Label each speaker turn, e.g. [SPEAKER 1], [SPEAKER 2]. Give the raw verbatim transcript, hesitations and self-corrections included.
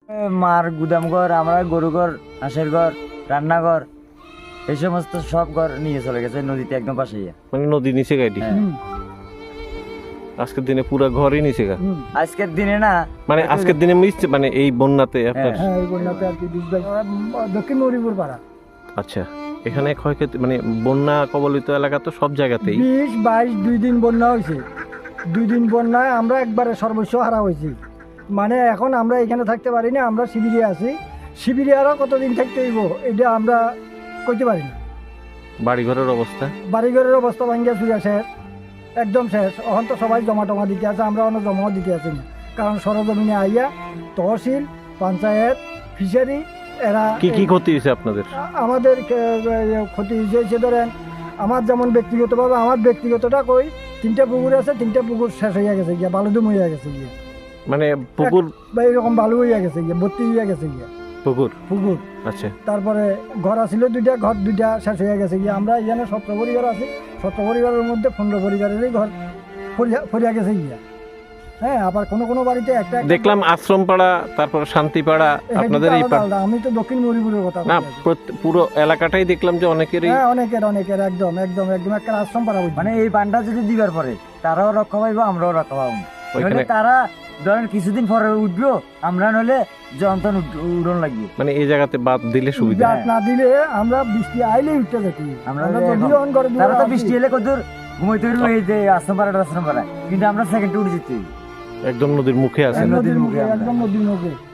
[SPEAKER 1] মার গুদাম ঘর, আমরা গরু ঘর, হাঁসের ঘর, রান্নাঘর, এই সমস্ত সব ঘর নিয়ে চলে গেছে নদীতে একদম পাশে।
[SPEAKER 2] মানে নদী নিচে গাড়ি আজকের দিনে পুরো ঘরই নিচে গা
[SPEAKER 1] আজকের দিনে না
[SPEAKER 2] মানে আজকের দিনে মিশছে মানে এই বন্যাতে আপনার
[SPEAKER 3] হ্যাঁ এই বন্যাতে আর কি দক্ষিণ মরিপুর পাড়া
[SPEAKER 2] আচ্ছা এখানে ক্ষয়ক্ষতি মানে বন্যা কবলিত এলাকা তো সব জায়গাতেই
[SPEAKER 3] বিশ বাইশ দুই দিন বন্যা হয়েছে। দুই দিন বন্যায় আমরা একবারে সর্বস্ব হারা হয়েছি। মানে এখন আমরা এখানে থাকতে পারি না, আমরা শিবিরে আছি। শিবিরে আরও কতদিন থাকতে হইব এটা আমরা কইতে পারি না।
[SPEAKER 2] বাড়িঘরের অবস্থা
[SPEAKER 3] বাড়িঘরের অবস্থা ভাঙ্গিয়া চুরিয়া শেষ, একদম শেষ। এখন তো সবাই জমা টমা দিতে আছে, আমরা অনেক জমাও দিতে আছি না, কারণ সরজমিনে আইয়া তহসিল, পঞ্চায়েত, ফিশারি এরা
[SPEAKER 2] কি কি ক্ষতি হয়েছে আপনাদের?
[SPEAKER 3] আমাদের ক্ষতি হয়েছে ধরেন আমার যেমন ব্যক্তিগতভাবে আমার ব্যক্তিগতটা কই, তিনটা পুকুর আছে, তিনটা পুকুর শেষ হইয়া গেছে গিয়া, বালুদুম হইয়া গেছে গিয়া,
[SPEAKER 2] মানে পুকুর
[SPEAKER 3] বা এরকম বালু হইয়া গেছে গিয়া, ভর্তি হইয়া গেছে গিয়া
[SPEAKER 2] পুকুর
[SPEAKER 3] পুকুর।
[SPEAKER 2] আচ্ছা
[SPEAKER 3] তারপরে ঘর আছিল দুইটা, ঘর দুইটা শেষ হইয়া গেছে গিয়া। আমরা এখানে সতেরো পরিবার আছি, সতেরো পরিবারের মধ্যে পনেরো পরিবারেরই ঘর ফরিয়া ফরিয়া গেছে গিয়া। হ্যাঁ, আবার কোনো কোনো বাড়িতে একটা একটা-
[SPEAKER 2] দেখলাম আশ্রম পাড়া, তারপর শান্তি পাড়া,
[SPEAKER 3] এখানে
[SPEAKER 2] আপনাদের এই
[SPEAKER 3] আলাদা
[SPEAKER 2] পাড়া
[SPEAKER 3] আলাদা। আমি তো দক্ষিণ মরিপুরের কথা
[SPEAKER 2] না
[SPEAKER 3] বলছি।
[SPEAKER 2] প্রত্যে- পুরো এলাকাটাই দেখলাম যে অনেকেরই
[SPEAKER 3] হ্যাঁ, অনেকের অনেকের একদম একদম একদম একটা আশ্রম পাড়া বুঝি।
[SPEAKER 1] মানে এই পানটা যদি দিবার পরে তারাও রক্ষা পাইবো, আমরাও রক্ষা পাবো।
[SPEAKER 2] ওইখানে
[SPEAKER 1] নইলে তারা ধরেন কিছুদিন পরে উঠবো, আমরা নইলে যন্ত্রণ উড়ন লাগবে।
[SPEAKER 2] মানে এই জায়গাতে বাদ দিলে সুবিধা
[SPEAKER 3] জাত না দিলে আমরা বৃষ্টি আইলেই উঠতে থাকি।
[SPEAKER 1] আমরা
[SPEAKER 3] আমরা
[SPEAKER 1] যে
[SPEAKER 3] যদি
[SPEAKER 1] এখন-
[SPEAKER 3] অন করে দিই,
[SPEAKER 1] তারা তো
[SPEAKER 3] আসি।
[SPEAKER 1] বৃষ্টি এলে কত ঘুমাইতে পারবো এই যে আশ্রম পাড়াটা আশ্রম পাড়া, কিন্তু আমরা সেকেন্ডে উঠে যেতে
[SPEAKER 2] একদম নদীর মুখে আছে
[SPEAKER 3] একদম
[SPEAKER 1] নদীর
[SPEAKER 3] নদীর
[SPEAKER 1] মুখে
[SPEAKER 3] মুখে,
[SPEAKER 1] আমরা।
[SPEAKER 3] একদম নদীর মুখে।